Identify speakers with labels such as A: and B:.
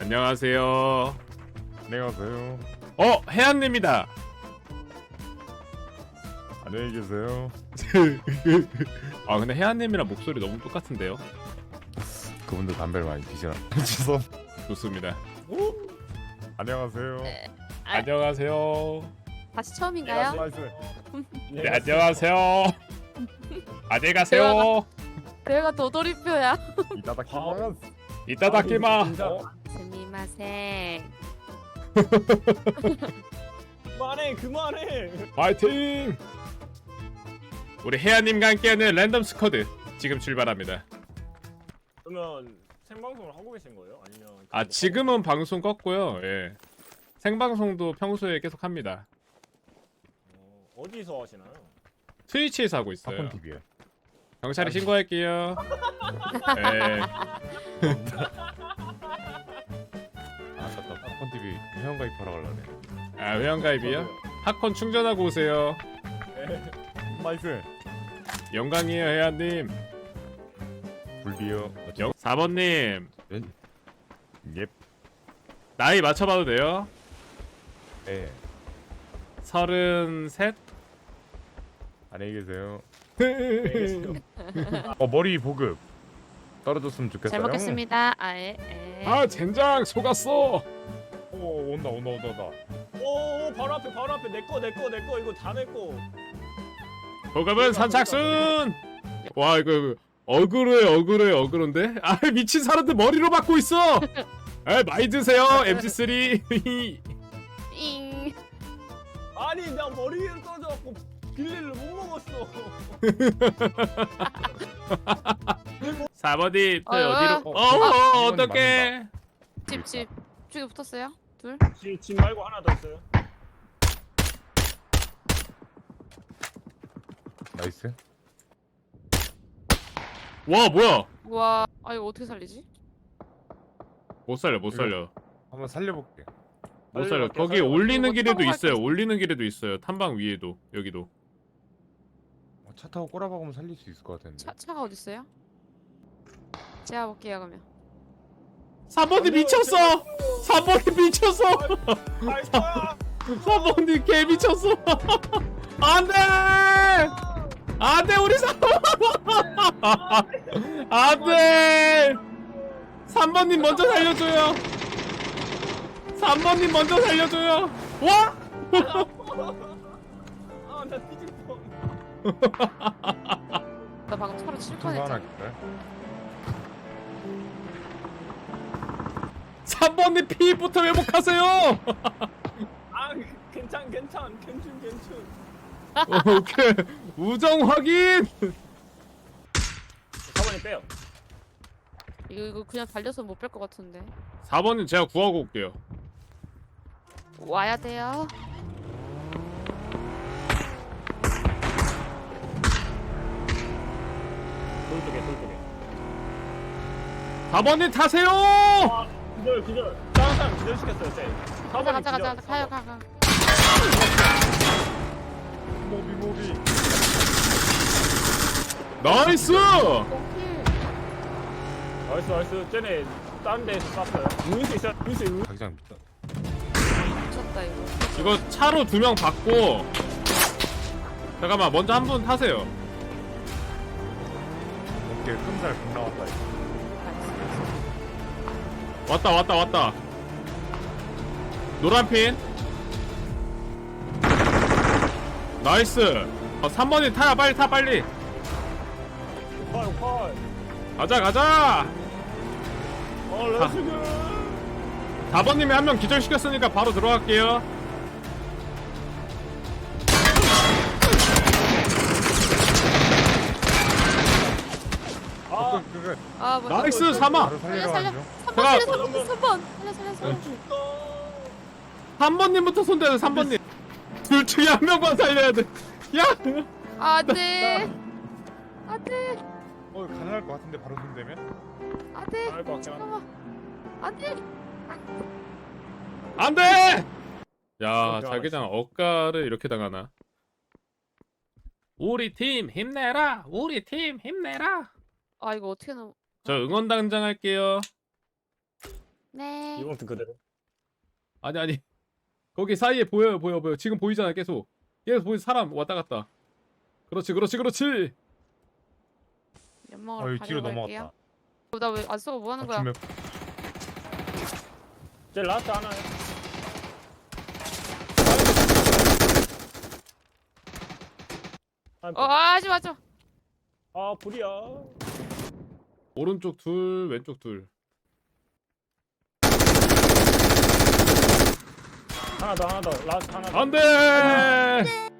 A: 안녕하세요.
B: 안녕하세요.
A: 해안님이다.
B: 안녕히 계세요.
A: 아 근데 해안님이랑 목소리 너무 똑같은데요?
B: 그분도 담배를 많이 피시나? 죄송.
A: 좋습니다.
B: 안녕하세요.
A: 안녕하세요.
C: 다시 처음인가요?
A: 네 안녕하세요. 안녕히 가세요.
C: 내가 도돌이표야.
B: 이따다 키마스.
A: 이따다키마.
C: 스미마생.
D: 그만해.
A: 파이팅. 우리 해안님과 함께하는 랜덤 스쿼드 지금 출발합니다.
D: 그러면 생방송을 하고 계신 거예요? 아니면
A: 아 지금은 방송 껐고요. 예. 생방송도 평소에 계속 합니다.
D: 어디서 하시나요?
A: 트위치에서 하고 있어요.
B: 사건 TV요.
A: 경찰에 신고할게요. 예.
B: 아깝다. 사건 TV 회원 가입하러 가려네.
A: 아 회원가입이요? 핫콘 충전하고 오세요.
B: 나이스.
A: 영광이에요 해안님.
B: 불비요.
A: 4번님
B: 예.
A: 나이 맞춰봐도 돼요?
B: 네.
A: 33?
B: 안녕히 계세요. 머리 보급 떨어졌으면 좋겠어요.
C: 잘 먹겠습니다. 아예.
A: 아 젠장 속았어.
B: 오 온다.
D: 오 바로 앞에 내거 이거 다 내거.
A: 보급은 선착순. 와 이거 어그로인데? 아 미친 사람들 머리로 받고 있어. 아 많이 드세요 MG3.
C: 잉.
D: 아니 나 머리 위로 떨어져갖고 빌리를 못 먹었어.
A: 4번님 또
C: 어휴.
A: 어디로? 어떡해.
C: 집 쪽에 붙었어요? 둘.
D: 집 말고 하나 더 있어요.
B: 나이스.
A: 와 뭐야?
C: 우와. 아 이거 어떻게 살리지?
A: 못 살려.
B: 한번 살려볼게.
A: 못 살려.
D: 살려볼게요,
A: 거기
D: 살려볼게요.
A: 올리는
C: 이거
A: 길에도
C: 타고
A: 있어요.
C: 갈게.
A: 올리는 길에도 있어요. 탐방 위에도 여기도.
B: 차 타고 꼬라박으면 살릴 수 있을 것 같은데.
C: 차가 어디 있어요? 제가 볼게요 그러면.
A: 3번님 미쳤어. 3번님 미쳤어.
D: 나이스.
A: 3번님 개 미쳤어. 안돼. 안돼 우리 3번. 안돼. 3번님 먼저 살려줘요. 3번님 먼저 살려줘요. 와.
D: 아나 뒤질 뻔.
C: 나 방금 차로 칠
B: 통과 하나
C: 뻔했잖아.
B: 할까요?
A: 3번님 피부터 회복하세요.
D: 아 괜찮.
A: 오케이. 우정 확인.
D: 4번이 빼요.
C: 이거 그냥 달려서 못 뺄 것 같은데.
A: 4번님 제가 구하고 올게요.
C: 와야 돼요.
D: 돌 쪽에.
A: 4번님 타세요.
D: 기절. 다른 사람 기절시켰어요 쟤.
C: 가자. 가요.
B: 모비.
A: 나이스.
C: 오케이.
D: 나이스. 쟤네 다른 데에서 쐈어요. 루이스 있어.
B: 자기장 밑다.
C: 미쳤다 이거.
A: 이거 차로 2명 받고. 잠깐만 먼저 한 분 타세요.
B: 오케이 끔살 금 나왔다. 이거.
A: 왔다. 노란핀. 나이스. 3번이 타야 빨리.
D: 펄.
A: 가자.
D: 렛츠고.
A: 4번님이 한 명 기절시켰으니까 바로 들어갈게요.
D: 아
B: 그거
C: 아 뭐.
A: 나이스 사마.
B: 바로 살리러
C: 살려.
B: 가죠.
C: 3번 살려.
A: 3번님부터 손대요 3번님. 둘 중에 한 명만 살려야 돼. 야.
C: 안돼.
B: 가능할 것 같은데 바로 손대면?
C: 안돼.
D: 알것 같긴 한데.
C: 안돼.
A: 안돼. 야 자기장 억가를 이렇게 당하나. 우리 팀 힘내라.
C: 아 이거 어떻게 넘?
A: 저 응원단장 할게요.
C: 네.
D: 이번부터 그대로.
A: 아니 거기 사이에 보여요 보여 지금 보이잖아 계속 보이 사람 왔다 갔다. 그렇지
C: 연막으로
B: 여기 뒤로
C: 가려갈게요.
B: 넘어갔다.
C: 나 왜 안 쏘고 뭐 하는 거야?
B: 아침에
D: 제 라스트 하나요.
C: 하지 마죠.
D: 아 불이야.
A: 오른쪽 둘 왼쪽 둘.
D: 하나 더 라스트 하나 더.
A: 안돼.